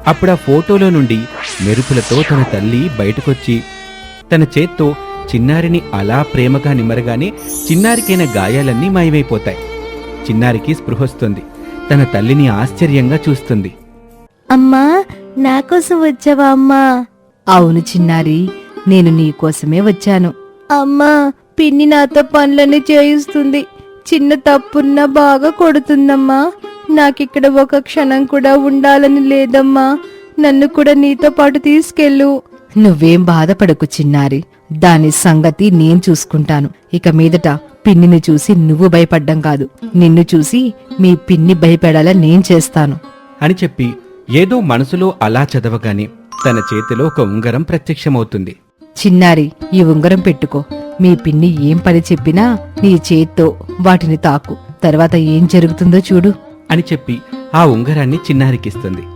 అప్పుడా ఫోటోలో నుండి మెరుపులతో తన తల్లి బయటకొచ్చి తన చేత్తో చిన్నారిని అలా ప్రేమగా నిమరగానే చిన్నారికైన గాయాలన్నీ మాయమైపోతాయి. చిన్నారికి స్పృహొస్తుంది. తన తల్లిని ఆశ్చర్యంగా చూస్తుంది. అమ్మా, నాకోసం వచ్చావా అమ్మా? అవును చిన్నారి, నేను నీకోసమే వచ్చాను. అమ్మా, పిన్ని నాతో పనులన్నీ చేయిస్తుంది. చిన్న తప్పున్నా బాగా కొడుతుందమ్మా. నాకిక్కడ ఒక క్షణం కూడా ఉండాలని లేదమ్మా. నన్ను కూడా నీతో పాటు తీసుకెళ్ళు. నువ్వేం బాధపడకు చిన్నారి, దాని సంగతి నేను చూసుకుంటాను. ఇక మీదట పిన్నిని చూసి నువ్వు భయపడ్డం కాదు, నిన్ను చూసి మీ పిన్ని భయపడేలా నేను చేస్తాను అని చెప్పి ఏదో మనసులో అలా చదవగానే తన చేతిలో ఒక ఉంగరం ప్రత్యక్షమవుతుంది. చిన్నారి, ఈ ఉంగరం పెట్టుకో. మీ పిన్ని ఏం పని చెప్పినా నీ చేత్తో వాటిని తాకు. తర్వాత ఏం జరుగుతుందో చూడు అని చెప్పి ఆ ఉంగరాన్ని చిన్నారికిస్తుంది.